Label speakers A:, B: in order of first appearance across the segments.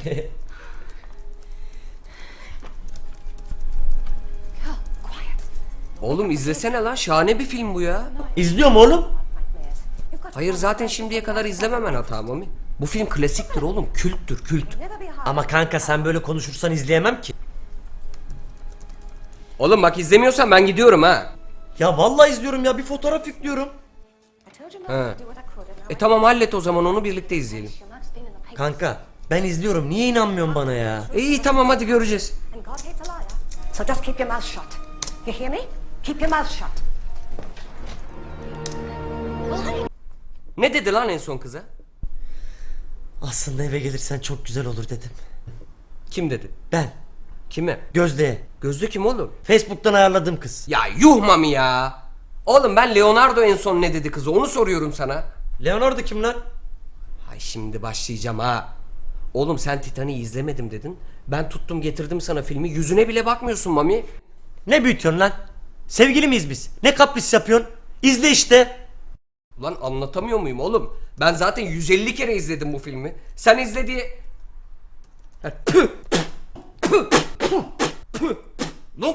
A: Oğlum izlesene lan, şahane bir film bu ya.
B: İzliyorum oğlum.
A: Hayır zaten şimdiye kadar izlememen hata Mami. Bu film klasiktir oğlum, külttür, kült.
B: Ama kanka sen böyle konuşursan izleyemem ki.
A: Oğlum bak izlemiyorsan ben gidiyorum ha.
B: Ya vallahi izliyorum ya, bir fotoğraf yüklüyorum.
A: Ha. Tamam hallet o zaman, onu birlikte izleyelim.
B: Kanka ben izliyorum, niye inanmıyorsun bana ya?
A: İyi tamam hadi göreceğiz.
C: So just keep your mouth shut. You hear me? Keep your mouth shut.
A: Ne dedi lan en son kıza?
B: Aslında eve gelirsen çok güzel olur dedim.
A: Kim dedi?
B: Ben.
A: Kime?
B: Gözde'ye.
A: Gözde kim oğlum?
B: Facebook'tan ayarladığım kız.
A: Ya yuh Mami ya. Oğlum ben Leonardo en son ne dedi kıza, onu soruyorum sana.
B: Leonardo kim lan?
A: Ay şimdi başlayacağım ha. Oğlum sen Titanic'i izlemedim dedin. Ben tuttum getirdim sana filmi, yüzüne bile bakmıyorsun Mami.
B: Ne büyütüyorsun lan? Sevgili miyiz biz? Ne kapris yapıyorsun? İzle işte.
A: Ulan anlatamıyor muyum oğlum? Ben zaten 150 kere izledim bu filmi. Sen izle diye... Ha, püh, püh, püh, püh, püh. Lan!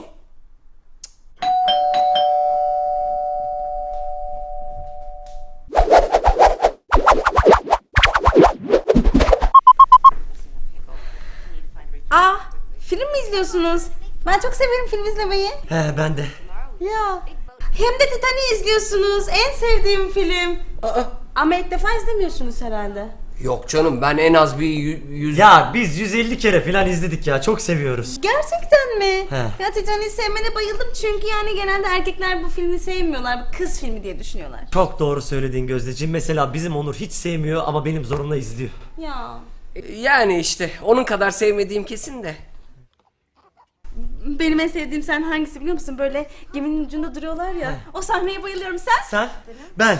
D: Aa, film mi izliyorsunuz? Ben çok severim film izlemeyi.
B: He ben de.
D: Ya. Hem de Titanic'i izliyorsunuz. En sevdiğim film. Ama ilk defa izlemiyorsunuz herhalde.
A: Yok canım, ben en az bir yüz...
B: Ya biz 150 kere falan izledik ya, çok seviyoruz.
D: Gerçekten mi?
B: He.
D: Ya Titanic'i sevmene bayıldım çünkü yani genelde erkekler bu filmi sevmiyorlar. Bu kız filmi diye düşünüyorlar.
B: Çok doğru söylediğin Gözdeciğim. Mesela bizim Onur hiç sevmiyor ama benim zorumla izliyor.
D: Ya.
A: Yani işte onun kadar sevmediğim kesin de.
D: Benim en sevdiğim sen hangisi biliyor musun? Böyle geminin ucunda duruyorlar ya. O sahneye bayılıyorum. Sen?
B: Sen? Ben.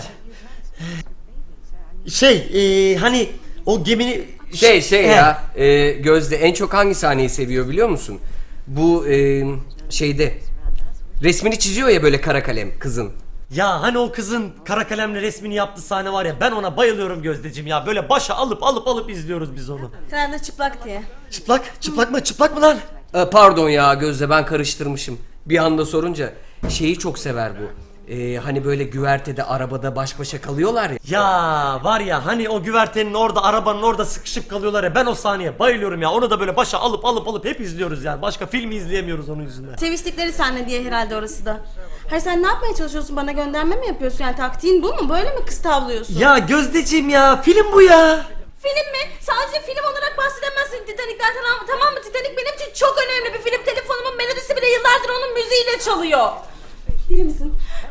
B: Hani o gemini... He.
A: Ya Gözde en çok hangi sahneyi seviyor biliyor musun? Bu şeyde resmini çiziyor ya böyle kara kalem kızın.
B: Ya hani o kızın kara kalemle resmini yaptığı sahne var ya, ben ona bayılıyorum Gözdeciğim ya. Böyle başa alıp izliyoruz biz onu.
D: Herhalde çıplak diye.
B: Çıplak mı lan?
A: Pardon ya Gözde, ben karıştırmışım. Bir anda sorunca şeyi çok sever bu. Hani böyle güvertede arabada baş başa kalıyorlar ya.
B: Ya var ya, hani o güvertenin orada, arabanın orada sıkışıp kalıyorlar ya, ben o sahneye bayılıyorum ya. Onu da böyle başa alıp hep izliyoruz yani. Başka filmi izleyemiyoruz onun yüzünden.
D: Seviştikleri sahne diye herhalde orası da. Hayır sen ne yapmaya çalışıyorsun? Bana gönderme mi yapıyorsun? Yani taktiğin bu mu? Böyle mi kız tavlıyorsun?
B: Ya Gözdeciğim ya, film bu ya.
D: Film mi? Sadece film olarak bahsedemezsin Titanic'ten, tamam mı? Titanic benim için çok önemli bir film. Telefonumun melodisi bile yıllardır onun müziğiyle çalıyor. Bilir misin?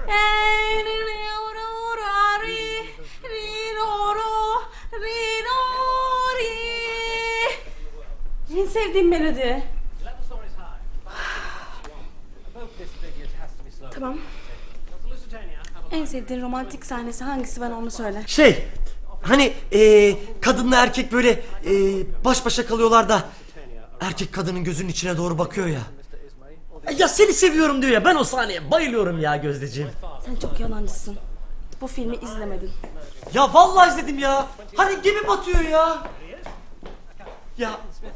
D: En sevdiğim melodi. Tamam. En sevdiğin romantik sahnesi hangisi, bana onu söyle.
B: Hani kadınla erkek böyle baş başa kalıyorlar da erkek kadının gözünün içine doğru bakıyor ya. Ya seni seviyorum diyor ya, ben o sahneye bayılıyorum ya Gözdeciğim.
D: Sen çok yalancısın. Bu filmi izlemedin.
B: Ya vallahi izledim ya. Hani gemi batıyor ya. Ya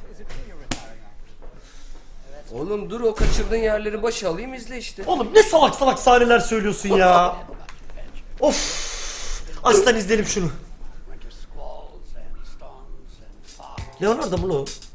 A: Oğlum dur, o kaçırdığın yerleri başa alayım izle işte.
B: oğlum ne salak sahneler söylüyorsun ya. Of. Aslan izleyelim şunu. Leonardo mu lo?